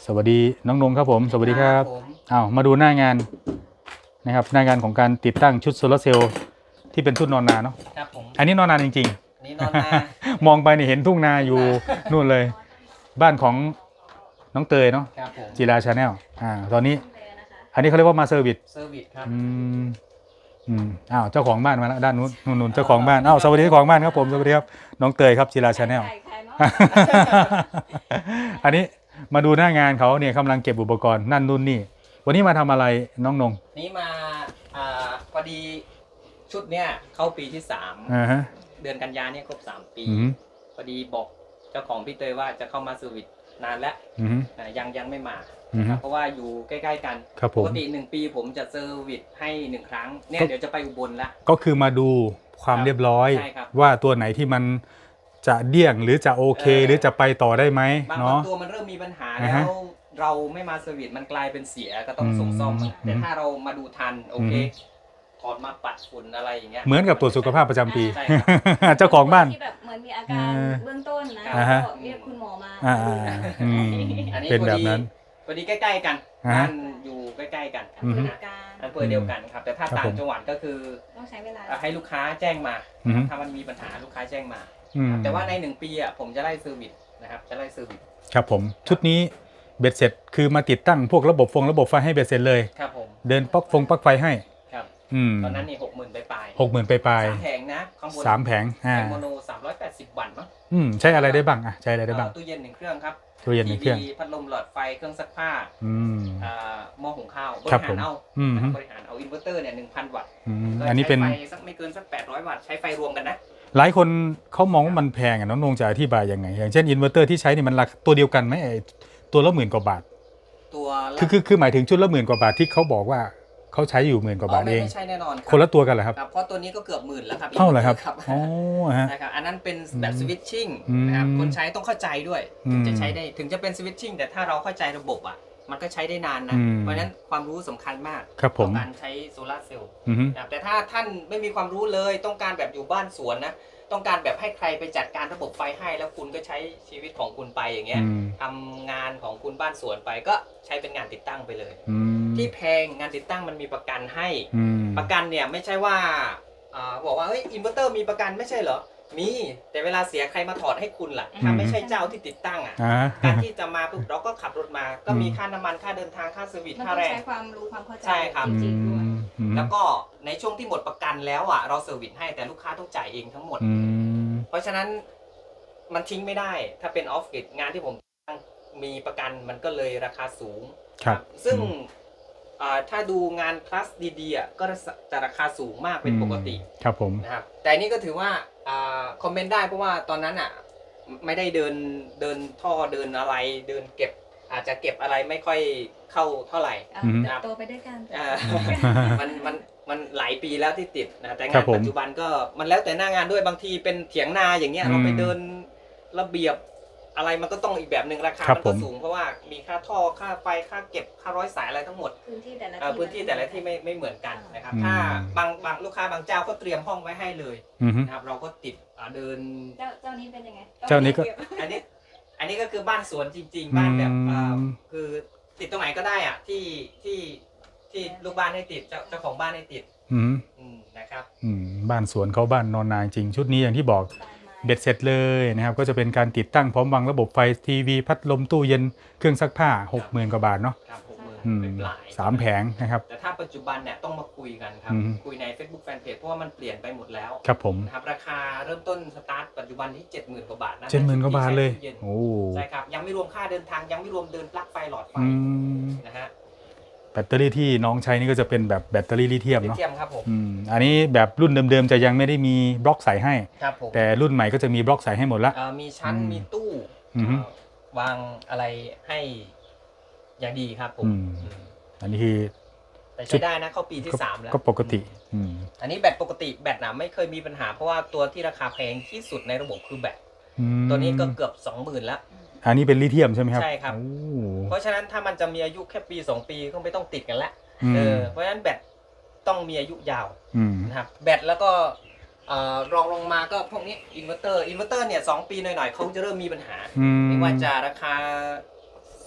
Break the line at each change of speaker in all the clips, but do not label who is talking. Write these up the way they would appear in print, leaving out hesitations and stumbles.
สวัสดีน้องนงครับผมสวัสดีครับอ้าวมาดูหน้างานนะครับหน้างานของการติดตั้งชุดโซลาร์เซลล์ที่เป็นชุดนอนนาเนาะ
ครับผม
อันนี้นอนนาจริง
ๆนี่นอนนา
มองไปนี่เห็นทุ่งนาอยู่นู่นเลยบ้านของน้องเตยเนาะ
ครับผม
จีราชาแนลตอนนี้อันนี้เขาเรียกว่ามาเซอร์วิส
ครับ
อ้าวเจ้าของบ้านมาแล้วด้านนู้นเจ้าของบ้านอ้าวสวัสดีเจ้าของบ้านครับผมสวัสดีครับน้องเตยครับจีราชาแนล อันนี้มาดูหน้างานเขาเนี่ยกำลังเก็บอุปกรณ์นั่นนู่นนี่วันนี้มาทำอะไรน้องนง
นี่มาพอดีชุดเนี้ยเข้าปีที่เดือนกันยาเนี่ยครบ3 ปีพอดีบอกเจ้าของพี่เตยว่าจะเข้ามาเซอร์วิสนานแล้วยังไม่มาเพราะว่าอยู่ใกล้ๆกันปกติ1 ปีผมจะเซอร์วิสให้1 ครั้งเนี่ยเดี๋ยวจะไปอุบลแล้ว
ก็คือมาดูความเรียบร้อยว่าตัวไหนที่มันจะเดี่ยงหรือจะโอเคหรือจะไปต่อได้ไหมเนาะ
ตัวมันเริ่มมีปัญหาแล้วเราไม่มาเซอร์วิสมันกลายเป็นเสียก็ต้องส่งซ่อมแต่ถ้าเรามาดูทันโอเคถอดมาปัดฝุ่นอะไรอย่างเงี้ย
เหมือนกับตรวจสุขภาพประจำปีเจ้าของบ้าน
ที่แบบเหมือนมีอาการเบื้องต้นนะก็เรียกคุณหมอมา
เป็นแบบนั้น
พอดีใกล้ๆกันบ้านอยู่ใกล้ๆกันอำเภอเดียวกันครับแต่ถ้าต่างจังหวัดก็คือ
ต้องใช้เวลา
ให้ลูกค้าแจ้งมาถ้ามันมีปัญหาลูกค้าแจ้งมาแต่ว่าใน1 ปีผมจะไล่เซอร์วิสนะครับจะไล่เซอร์วิส
ครับผมชุดนี้เบ็ดเสร็จคือมาติดตั้งพวกระบบไฟให้เบ็ดเสร็จเลย
ครับผม
เดินปลั๊กไฟให้
ครับตอนนั้นนี่60,000ไป
ปลาย
3 แผงนะข้างบน
3 แผง
โมโน380 วัตต์มั้ง
ใช้อะไรได้บ้างใช้อะไรได้บ้าง
ตู้เย็น1 เครื่องครับ
ตู้เย็น1 เครื่อง
พัดลมหลอดไฟเครื่องซักผ้าหม้อหุงข้าวบริหารเอาอินเวอร์เตอร์เนี่ย1,000 วัตต์
อันนี้เป็น
ไฟสักไม่เกินสัก800 วัตต์ใช้ไฟรวมกันนะ
หลายคนเขามองว่ามันแพงน้องนงจะอธิบายยังไงอย่างเช่นอินเวอร์เตอร์ที่ใช้นี่มันราคาตัวเดียวกันไหมตัวละ10,000 กว่าบาท
ตัว
คือหมายถึงชุดละ10,000 กว่าบาทที่เขาบอกว่าเขาใช้อยู่10,000 กว่าบาทเอง
ไม่ใช่แน่นอน
คนละตัวกันเหรอครับ
เพราะตัวนี้ก็เกือบ10,000แล้วครับ
เท่าไหร่ครับอ๋อ
นะครับอันนั้นเป็นแบบสวิตชิ่งนะครับคนใช้ต้องเข้าใจด้วยถึงจะใช้ได้ถึงจะเป็นสวิตชิ่งแต่ถ้าเราเข้าใจระบบมันก็ใช้ได้นานนะเพราะฉะนั้นความรู้สำคัญมาก
ต่อ
การใช้โซลาร์เซลล์แต่ถ้าท่านไม่มีความรู้เลยต้องการแบบอยู่บ้านสวนนะต้องการแบบให้ใครไปจัดการระบบไฟให้แล้วคุณก็ใช้ชีวิตของคุณไปอย่างเงี้ยทำงานของคุณบ้านสวนไปก็ใช้เป็นงานติดตั้งไปเลยที่แพงงานติดตั้งมันมีประกันให้ประกันเนี่ยไม่ใช่ว่าบอกว่าเฮ้ยอินเวอร์เตอร์มีประกันไม่ใช่เหรอมีแต่เวลาเสียใครมาถอดให้คุณล่ะถ้าไม่ใช่เจ้าที่ติดตั้งการที่จะมาปุ๊บเราก็ขับรถมาก็มีค่าน้ำมันค่าเดินทางค่าเซอร์วิสค่าแรง
ใช้ความรู้ความเข้าใจ
ใช่ครับ
จริงๆด้วย
แล้วก็ในช่วงที่หมดประกันแล้วเราเซอร์วิสให้แต่ลูกค้าต้องจ่ายเองทั้งหมดเพราะฉะนั้นมันทิ้งไม่ได้ถ้าเป็นออฟฟิศงานที่ผมมีประกันมันก็เลยราคาสูง
ครับ
ซึ่งถ้าดูงานคลาสดีๆก็จะราคาสูงมากเป็นปกติ
ครับผม
นะครับแต่นี่ก็ถือว่าคอมเมนต์ได้เพราะว่าตอนนั้นไม่ได้เดินท่อเดินอะไรเดินเก็บอาจจะเก็บอะไรไม่ค่อยเข้าเท่าไหร่
นะครับโตไปด้วยกัน
มันหลายปีแล้วที่ติดนะแต่งานปัจจุบันก็มันแล้วแต่หน้างานด้วยบางทีเป็นเถียงนาอย่างเงี้ยเราไปเดินระเบียบอะไรมันก็ต้องอีกแบบหนึ่งราคามันก็สูงเพราะว่ามีค่าท่อค่าไฟค่าเก็บค่าร้อยสายอะไรทั้งหมดพื้นที่แต่ละที่ไม่เหมือนกันนะครับถ้าบางลูกค้าบางเจ้าก็เตรียมห้องไว้ให้เลยนะครับเราก็ติดเดิน
เจ้านี้เป็นยังไง
เจ้านี้ก็
อันนี้ก็คือบ้านสวนจริงๆบ้านแบบคือติดตรงไหนก็ได้ที่ลูกบ้านให้ติดเจ้าของบ้านให้ติดนะครับ
บ้านสวนเขาบ้านนอนนาจริงชุดนี้อย่างที่บอกเบ็ดเสร็จเลยนะครับก็จะเป็นการติดตั้งพร้อมวางระบบไฟทีวีพัดลมตู้เย็นเครื่องซักผ้า60,000 กว่าบาทเนาะ3 แผงนะครับ
แต่ถ้าปัจจุบันเนี่ยต้องมาคุยกันครับคุยใน Facebook Fanpage เพราะว่ามันเปลี่ยนไปหมดแล้ว
ครับผม
ครับราคาเริ่มต้นสตาร์ทปัจจุบันที่ 70,000 กว่าบาทนะ
70,000 กว่าบาทเลยโอ้
ใช่ครับยังไม่รวมค่าเดินทางยังไม่รวมเดินปลั๊กไฟหลอดไฟนะฮะ
แบตเตอรี่ที่น้องใช้นี่ก็จะเป็นแบบแบตเตอรี่ลิเธียมเนาะ
ครับผม
อันนี้แบบรุ่นเดิมๆจะยังไม่ได้มีบล็อกใส่ให้
ครับผม
แต่รุ่นใหม่ก็จะมีบล็อกใส่ให้หมดละ
มีชั้นมีตู้วางอะไรให้อย่างดีครับผม
อันนี้คือ
แต่ใช้ได้นะเข้าปีที่3แล้ว
ก็ปกติ
อันนี้แบตปกติแบตไม่เคยมีปัญหาเพราะว่าตัวที่ราคาแพงที่สุดในระบบคือแบตตัวนี้ก็เกือบ 20,000 แล้ว
อันนี้เป็นลิเธียมใช่ไหมครับ
ใช่ครับเพราะฉะนั้นถ้ามันจะมีอายุแค่ปี2 ปีก็ไม่ต้องติดกันละเพราะฉะนั้นแบตต้องมีอายุยาวนะครับแบตแล้วก็รองลงมาก็พวกนี้อินเวอร์เตอร์เนี่ย2 ปีหน่อยๆเขาจะเริ่มมีปัญหาไม่ว่าจะราคา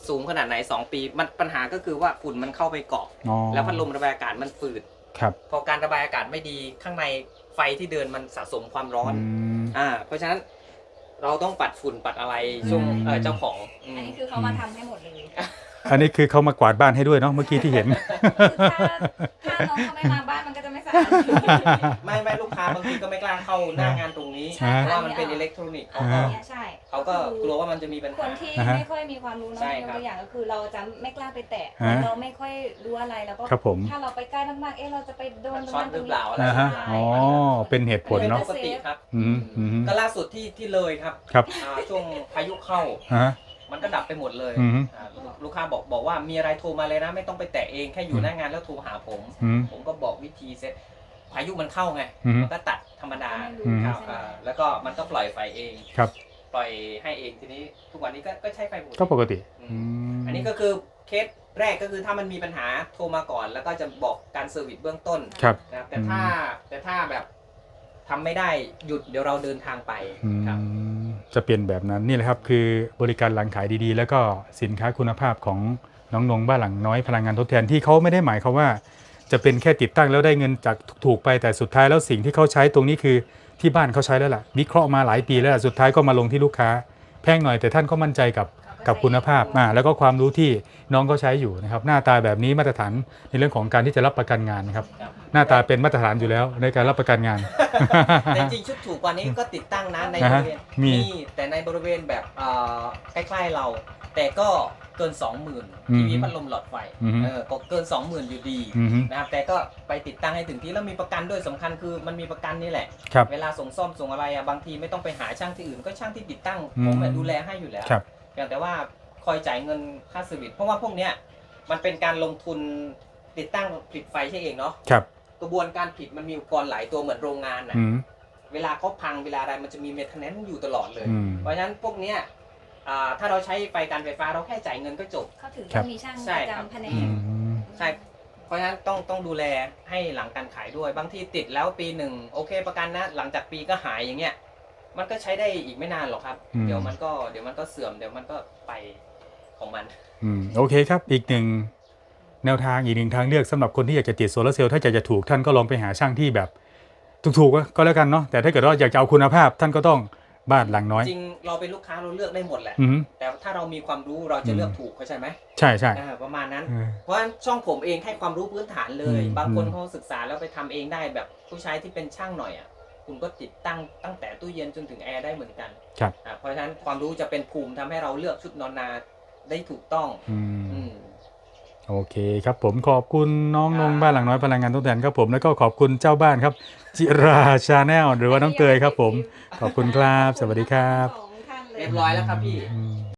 สูงขนาดไหน2 ปีมันปัญหาก็คือว่าฝุ่นมันเข้าไปเกาะ
อ๋อ
แล้วพัดลมระบายอากาศมันฝืด
ครับ
พอการระบายอากาศไม่ดีข้างในไฟที่เดินมันสะสมความร้อน
ม
เพราะฉะนั้นเราต้องปัดฝุ่นปัดอะไรช่วง เจ้าของ
อันนี้คือเขามาทำให้หมดเลย
อันนี้คือเขามากวาดบ้านให้ด้วยเนาะเมื่อกี้ที่เห็น
คือถ้าน้องเขาไม่มาบ้านมันก็จะไม่สะอาด
ไม่ลูกค้าบางทีก็ไม่กล้าเข้าหน้างานตรงนี้
ใช่
เพราะว่ามันเป็นอิเล็กทรอนิกส์
อันเนี้ยใช่
เขาก็กลัวว่ามันจะมีปัญ
ค
หา
นที่
อ่าฮะ
ไม่ค่อยมีความรู้เนาะ
ใช่
ย
ค
ก
รับ
ตัวอย่างก็คือเราจะไม่กล้าไปแตะ
ฮะ
เราไม่ค่อยรู้อะไรแล้วก็
ครับผม
ถ้าเราไปใกล้มากๆเราจะไปโดนตรง
ช็อต
นั้น
ห
ตร
รื
ง
อ
นี้
เปล่าอะไร
อ่าฮะ
ใช่
อ๋อเป็นเหตุผลเนาะ
ปกติครับ
อืมอืม
ก็ล่าสุดที่เลยครับ
ครับ
ช่วงพายุเข้า
ฮะ
มันก็ดับไปหมดเลย
อืม
ลูกค้าบอกว่ามีอะไรโทรมาเลยนะไม่ต้องไปแตะเองแค่อยู่หน้างานแล้วโทรหาผม
อืม
ผมก็บอกวิธีเซ็ตพายุมันเข้าไง
อืม
มันก็ตัดธรรมดา
ไม่รู้
อืม
ครับ
ใช่ไหม
แล้วก็มันก็ปล่อยไฟเอง
ครับ
ปล่อยให้เองทีนี้ทุกวันนี้ก็ใช้ไฟปกติ
ก็ปกติ
อันนี้ก็คือเคสแรกก็คือถ้ามันมีปัญหาโทรมาก่อน แล้วก็จะบอกการเซอร์วิสเบื้องต้น
ครับ
นะครับแต่ถ้าแบบทำไม่ได้หยุดเดี๋ยวเราเดินทางไป
อืม
ครับ
จะเปลี่ยนแบบนั้นนี่แหละครับคือบริการหลังขายดีๆ แล้วก็สินค้าคุณภาพของน้องนงบ้านหลังน้อยพลังงานทดแทนที่เขาไม่ได้หมายความว่าจะเป็นแค่ติดตั้งแล้วได้เงินจากถูกๆไปแต่สุดท้ายแล้วสิ่งที่เขาใช้ตรงนี้คือที่บ้านเขาใช้แล้วล่ะวิเคราะห์มาหลายปีแล้วล่ะสุดท้ายก็มาลงที่ลูกค้าแพงหน่อยแต่ท่านก็มั่นใจกับคุณภาพแล้วก็ความรู้ที่น้องเขาใช้อยู่นะครับหน้าตาแบบนี้มาตรฐานในเรื่องของการที่จะรับประกันงานนะครับ
ครับ
หน้าตาเป็นมาตรฐานอยู่แล้วในการรับประกันงาน
แต่จริงชุดถูกกว่านี้ก็ติดตั้งนะในบ
อ่าฮะ
ริเวณ
มี
แต่ในบริเวณแบบใกล้ๆเรา แต่ก็เกิน 20,000
อืม
ทีวีพัดลมหลอดไฟ
อืม
ก็เกิน 20,000 อยู่ดี
อืม
นะครับแต่ก็ไปติดตั้งให้ถึงที่แล้วมีประกันด้วยสำคัญคือมันมีประกันนี่แหละ
ครับ
เวลาส่งซ่อมส่งอะไรบางทีไม่ต้องไปหาช่างที่อื่นก็ช่างที่ติดตั้ง
อืม
ผมดูแลให้อยู่แล้ว
ครับ
เพียงแต่ว่าคอยจ่ายเงินค่าเซอร์วิสเพราะว่าพวกเนี้ยมันเป็นการลงทุนติดตั้งผลิตไฟใช่เองเนาะ
ครับ
กระบวนการผลิตมันมีอุปกรณ์หลายตัวเหมือนโรงงานนะ
อืม
เวลาเขาพังเวลาอะไรมันจะมีเมนเทนแนนซ์อยู่ตลอดเลย
อืม
เพราะฉะนั้นพวกเนี้ยถ้าเราใช้ไฟการไฟฟ้าเราแค่จ่ายเงินก็จบ
เขาถึง
ครั
ต้อบ งมีช่าง
ใช่
ประ
ครับ
จำแผน
อื
ก
ม
ใช่ เพราะฉะนั้นต้องดูแลให้หลังการขายด้วยบางทีติดแล้วปีหนึ่งโอเคประกันนะหลังจากปีก็หายอย่างเงี้ยมันก็ใช้ได้อีกไม่นานหรอกครับ
อืม
เดี๋ยวมันก็เสื่อมเดี๋ยวมันก็ไปของมัน
โอเคครับอีกหนึ่งแนวทางอีกหนึ่งทางเลือกสำหรับคนที่อยากจะติดโซลาร์เซลล์ถ้าอยากจะถูกท่านก็ลองไปหาช่างที่แบบถูกๆก็แล้วกันเนาะแต่ถ้าเกิดว่าอยากจะเอาคุณภาพท่านก็ต้องบ้านหลังน้อย
จริงเราเป็นลูกค้าเราเลือกได้หมดแหละ
อืม
แต่ถ้าเรามีความรู้เราจะเลือกถูกเข้าใจไหม
ใช่ใช่
ประมาณนั้น
เออ
เพราะฉะนั้นช่องผมเองให้ความรู้พื้นฐานเลย
อืม
บางคนเขาศึกษาแล้วไปทำเองได้แบบผู้ใช้ที่เป็นช่างหน่อยอ่ะคุณก็ติดตั้งแต่ตู้เย็นจนถึงแอร์ได้เหมือนกัน
ครับ
เพราะฉะนั้นความรู้จะเป็นภูมิทำให้เราเลือกชุดนอนนาได้ถูกต้อง
อืม
อืม
โอเคครับผมขอบคุณน้องนงบ้านหลังน้อยพลังงานทดแทนครับผมแล้วก็ขอบคุณเจ้าบ้านครับจิราชาแนลหรือว่าน้องเตยครับผมขอบคุณครับสวัสดีครับ
สองท่านเลย
เรียบร้อยแล้วครับพี่
อืม